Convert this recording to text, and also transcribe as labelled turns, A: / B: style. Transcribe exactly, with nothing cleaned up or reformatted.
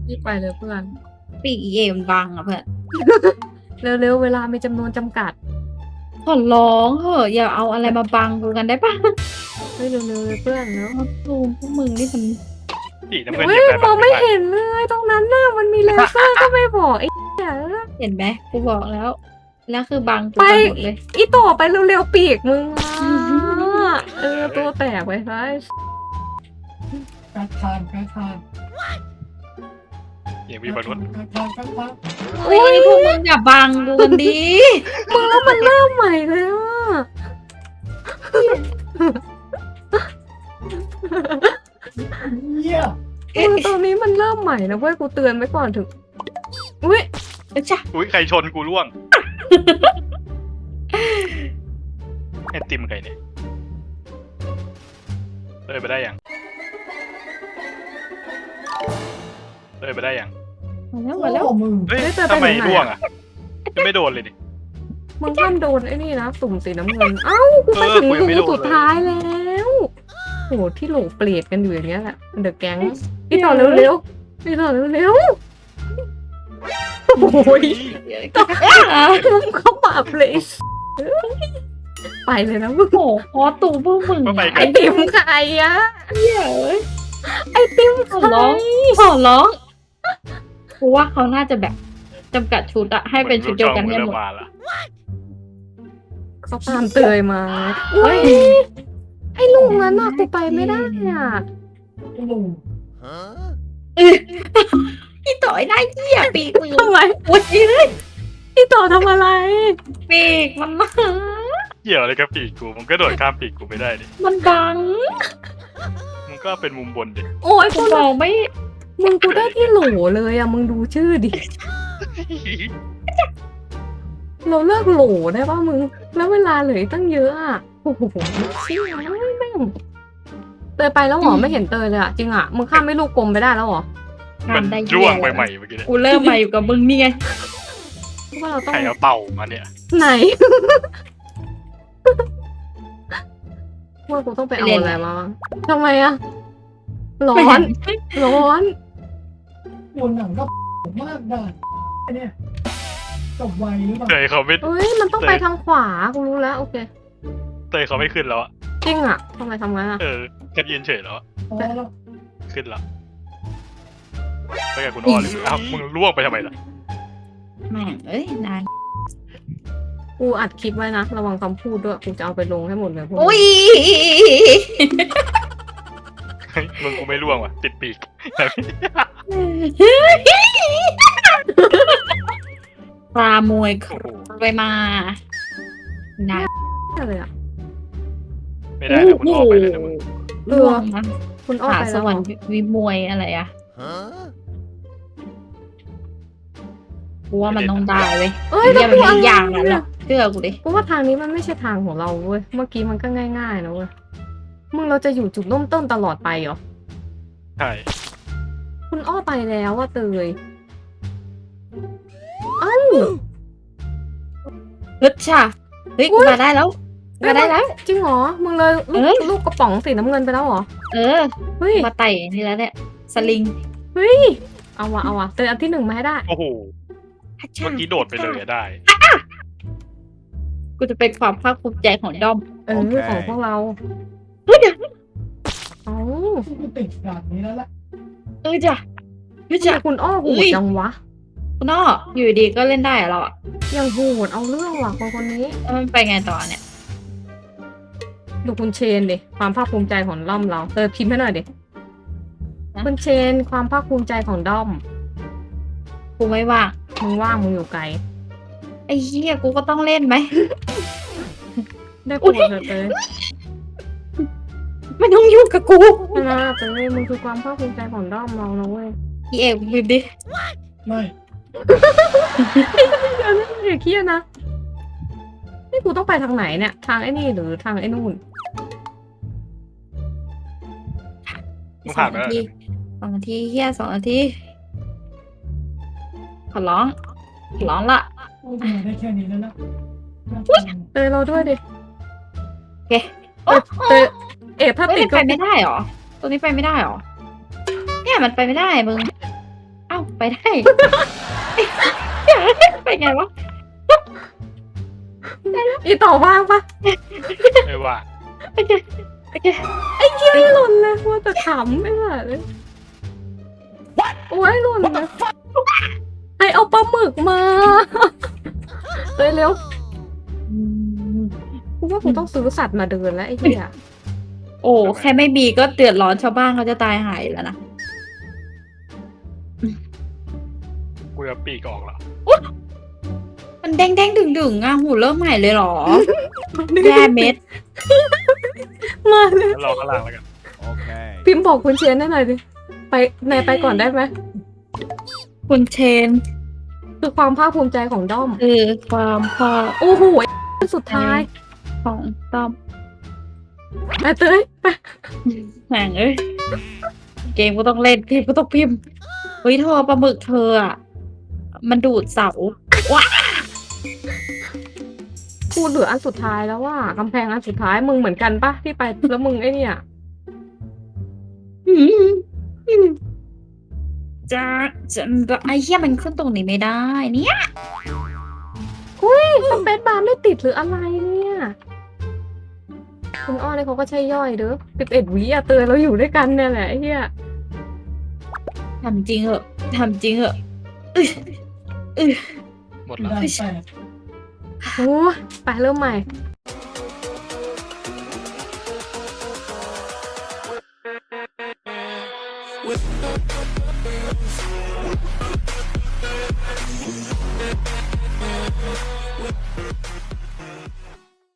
A: รีบไปเลยเพื่อน
B: ปีกเอมนบังอ่ะเพื่อน
A: เร็วๆเวลามีจำนวนจำกัด
B: ขอร้องเหอะอย่าเอาอะไรมาบังกูกันได้ปะ
A: เฮ้ยเร็วๆเลยเพื่อนเนาะ
B: ตูมพวกมึงนี่มัน
C: สีน้ำเงิน
A: เฮ้
C: เห
A: ย
C: ยียบได้
A: ม
C: ปะ
A: องไม่เห็นเลยตรงนั้นน่ะมันมีเลเซอร์ก็ไม่บอกไอ้เหี้ย
B: เห็นไหมกูบอกแล้ว แล้วคือบังกู
A: ไป
B: ไปหมดเลย
A: อีต่อไปเร็วๆปีกมึงอ่ะเออตัวแตกไปซะ
D: การทานการทาน
C: เหี้ยมีบอลรถ
D: การทานการทาน
B: เฮ้ยพวกมึงอย่าบังกูกันดี
A: มึงแล้วมันเริ่มใหม่เลยอ่ะ
D: เยี่ย
A: มึงตอนนี้มันเริ่มใหม่นะเว้ยกูเตือนไว้ก่อนถึงอุ้ย
B: จ้ะ
C: อุ้ยใครชนกูร่วงไอติมใครเนี่ยเลยไปได้ยังเลยไปได้ยัง
B: มาแล้วมาแล้ว
D: โอ้มึง
C: เฮ้ยทำไมร่วงอ่ะยังไม่โดนเลยดิ
A: มึงห้ามโดนไอ้นี่นะสุ่มสีน้ำเงินเอ้ากูไป
C: เออ
A: ถึง
C: กูยังไม่
A: รู
C: โดนเลย
A: สุดท้ายแล้วโหที่โหลเปรตกันอยู่อย่างเงี้ยแหละเดอะแก๊งพี่ต่อเร็วๆพี่ต่อเร็วๆโอ้ยมึงเข้ามาเลยไปเลยนะมึง
B: โอ้โหพอตูพวกมึง
C: ก็ไป
A: ไอ
C: กัน
A: ติมใครอะ
B: เหี้ยเอ้ย
A: ไอติม
B: ขอ
A: ใคร
B: ร้องขอร้องกูว่าเขาน่าจะแบบจำกัดชุดอะให้เป็นชุดเดียวกัน
C: เหมื
B: ให้
C: อ
B: หม
C: ลู
B: ด
C: ช่องมึงเริ่มมาละ
A: เขาตามเตยมาอุ้ยไอ้ลุงนั้นน่ะกูไปไม่ได้อ่ะ
D: ไอ้ลุง
B: พี่ต่อยได้เหี้ยปีกมึง
A: ทำไม
B: โอ้ยเลย
A: พี่ต่อทำอะไร
B: ปีกมันมา
C: เกี่ยวอะไรกับปีกกูมึงก็โดดข้ามปีกกูไม่ได้ดิ
B: มันบัง
C: มึงก็เป็นมุมบนดิ
A: โอ้ย
B: กู
A: กู
B: มองไม่
A: มึงกูได้ที่โหลเลยอ่ะมึงดูชื่อดิเราเลิกโหลได้ป่ะมึงแล้วเวลาเหลืออกตั้งเยอะอ่ะโอ้โหเชี่ยแม่งเตยไปแล้วเหรอไม่เห็นเตยเลยอ่ะจริงอ่ะมึงข้ามไม่ลูกกลมไปได้แล้วเหรอ
C: มัน
B: ทำได้
C: ร่วง
B: แย่
C: ไปใหม่เมื่อกี้เนี่ย
B: กูเริ่มมาอยู่กับมึงนี่ไง
A: เพราะว่าเราต้อ
C: ใค
A: ง
C: รเอาเต่ามาเนี่ย
A: ไหน ว่ากูต้องไปเอาอะไรมาบ้างทำไมอะร้อน ร้อน
D: บนหนังก็มากได้ไอ้เนี่ยจบไวหรือเปล่า
C: เตยเขาไม่
A: เอ้ย มันต้องไปทางขวา กูรู้แล้ว โอเค
C: เตยเขาไม่ขึ้นแล้วอะ
A: จริงอะทำไมทำงั้นอะ
C: เออแค่ยืนเฉยแล้วอะ
D: พอแล้ว
C: ขึ้นแล้วไปกับคุณอ้อเลยอ้าวมึงร่วงไปทำไมล่ะ
B: แม่งเอ้ยนาน
A: กูอัดคลิปไว้นะ ระวังคำพูดด้วย กูจะเอาไปลงให้หมดเลยพวก
B: อุ้ย
C: เฮ้ยมึงกูไม่ร่วงว่ะติดปีก
B: ปลามวยค
C: โอ้โห
B: ไปมา นาน
A: นี้เลยอะ
C: ไม่ได้นะคุณอ้อไปเลยนะมึง
A: เออ
B: ล่วงนะ
A: คุณอ้อ
B: หา
A: ไป
B: ส
A: แล้ว
B: ว
A: เห
B: ร
A: ร
B: ร
A: อ
B: ค์วิมวยอะไรอะกูว่ามันต้องได้เว้ย
A: เอ้ย
B: เรีย
A: แล้ว
B: ก
A: กู
B: มัน
A: อะไร
B: อย่างนั้นหร
A: เนี่
B: อย กเชื่อกูดิ
A: กูว่าทางนี้มันไม่ใช่ทางของเราเว้ย เมื่อกี้มันก็ง่ายๆนะเว้ย มึงเราจะอยู่จุดเริ่มต้นตลอดไปเหรอ
C: ใช่
A: คุณอ้อไปแล้วว่าเตย เอ้า
B: ฮึดช่ะเฮ้ย
A: อุ๊
B: กู
A: ย
B: มาได้แล้วมาได้แล้ว
A: จริงเหรอ มึงเลยลู
B: เอ้
A: ก
B: ย
A: ลูกกระป๋องสีน้ำเงินไปแล้วเหรอ
B: เออ
A: เฮ้ย
B: มาไต่นี่แล้วเนี่ยสลิง
A: เฮ้ย เอาวะเอาวะเตยอันที่หนึ่งมาให้ได้
C: โอ้โหเมื่อกี้โดดไปเลยอะได้
B: กูจะเป็นความภาคภูมิใจของด้อม
A: เออ
C: โอเค
A: ของพวกเรา
B: เฮ้ยเดี๋ยว
A: เอ้า
D: กูติดด่านนี้แล้วแหละ
B: เออจ้ะเฮ้ย
A: ทำ
B: จ้ะ
A: ไมคุณอ้อโห
B: เอ้
A: ด
B: ย
A: จังวะ
B: คุณอ้ออยู่ดีก็เล่นได้เหรอเราอะ
A: ยังโหดเอาเรื่องว่ะคนคนนี้
B: แล้วมันไปไงต่อเนี่ย
A: ดูคุณเชนดิความภาคภูมิใจของด้อมเราเตยพิมพ์ให้หน่อยดิคุณเชนความภาคภูมิใจของด้อม
B: กูไม่ว่าง
A: มึงว่างมึงอยู่ไกล
B: ไอ้เหี้ยกูก็ต้องเล่นไหม
A: ได้โปรดเถอะเตย
B: ไม่ต้องยุ่งกับกู
A: นะเตยมึงคือความภาคภูมิใจของด้อมเรานะเว้ย
B: พี่เอกพิมพ์ดิ
D: ไม่
A: เดี๋ยวนะเดี๋ยวเครียดนะนี่กูต้องไปทางไหนเนี่ย ทางไอ้นี่หรือทางไอ้นู่น
C: มึงผ่านไปแล้ว
B: ทีสองนาทีเฮียสองนาทีขอร้องขอร้องละ
D: กูมาได้แค่นี้แล้วนะ
A: เตยเราด้วยดิ
B: โอเค
A: เตยเตยเอะถ้า
B: เฮ้ย
A: ติด
B: มัน
A: ก็
B: ไปไม่ได้หรอตัวนี้ไปไม่ได้หรอเนี่ยมันไปไม่ได้มึงเอ้าไปได้ ไปไงวะ
A: อีต่อว่างปะ
C: ไม่ว่า
B: โอเคโอเค
A: ไอ้เหี้ยไม่หล่นเลยว่าแต่ขำไม่หล่ะเลยโอ้ยหล่นเลยไอเอาปลาหมึกมาเฮ้ยเร็ว
B: อืม
A: กูว่ากูต้องซื้อสัตว์มาเดินแล้วไอ้เหี้ย
B: โอ้แค่ไม่มีก็เดือดร้อนชาวบ้านเขาจะตายหายแล้วนะ
C: กูจะปีกออกเหรอ
B: มันเด้งเด้งดึงดึงๆอ่ะหูเริ่มใหม่เลยเหรอแย่เม็ด
A: มาเลย
C: แล้วรอข้างล่างแล้วกัน
E: Okay.
A: พิมพ์บอกคุณเชียนได้หน่อยดิไปนายไปก่อนได้ไหม
B: คุณเชน
A: คือความภาคภูมิใจของด้อม
B: คือความพอ
A: โอ้โหสุดท้าย
B: ของต้อม
A: ไปเต้ยไป
B: แหงเอ้ยเกมก็ต้องเล่นพิมพ์ก็ต้องพิมพ์เฮ้ยเธอปลาหมึกเธออ่ะมันดูดเสาว้า
A: กูเหลืออันสุดท้ายแล้วว่ากำแพงอันสุดท้ายมึงเหมือนกันปะที่ไปแล้วมึงไอ้เนี่ย
B: อืมอืมจะจะไอ้เหี้ยมันขึ้นตรงนี้ไม่ได้เนี่ย
A: สเปซบาร์ไม่ติดหรืออะไรเนี่ยคุณอ้อเนี่ยเขาก็ใช่ย่อยเด้อสิบเอ็ดวิอะเตือนเราอยู่ด้วยกันเนี่ยแหละไอ้เหี้ย
B: ทำจริงเหอะทำจริงเหอะอื้ออื้อ
C: หมด
D: ด่า
C: แล้ว
D: นแปด
A: โอ้ยไปเริ่มใหม่
E: With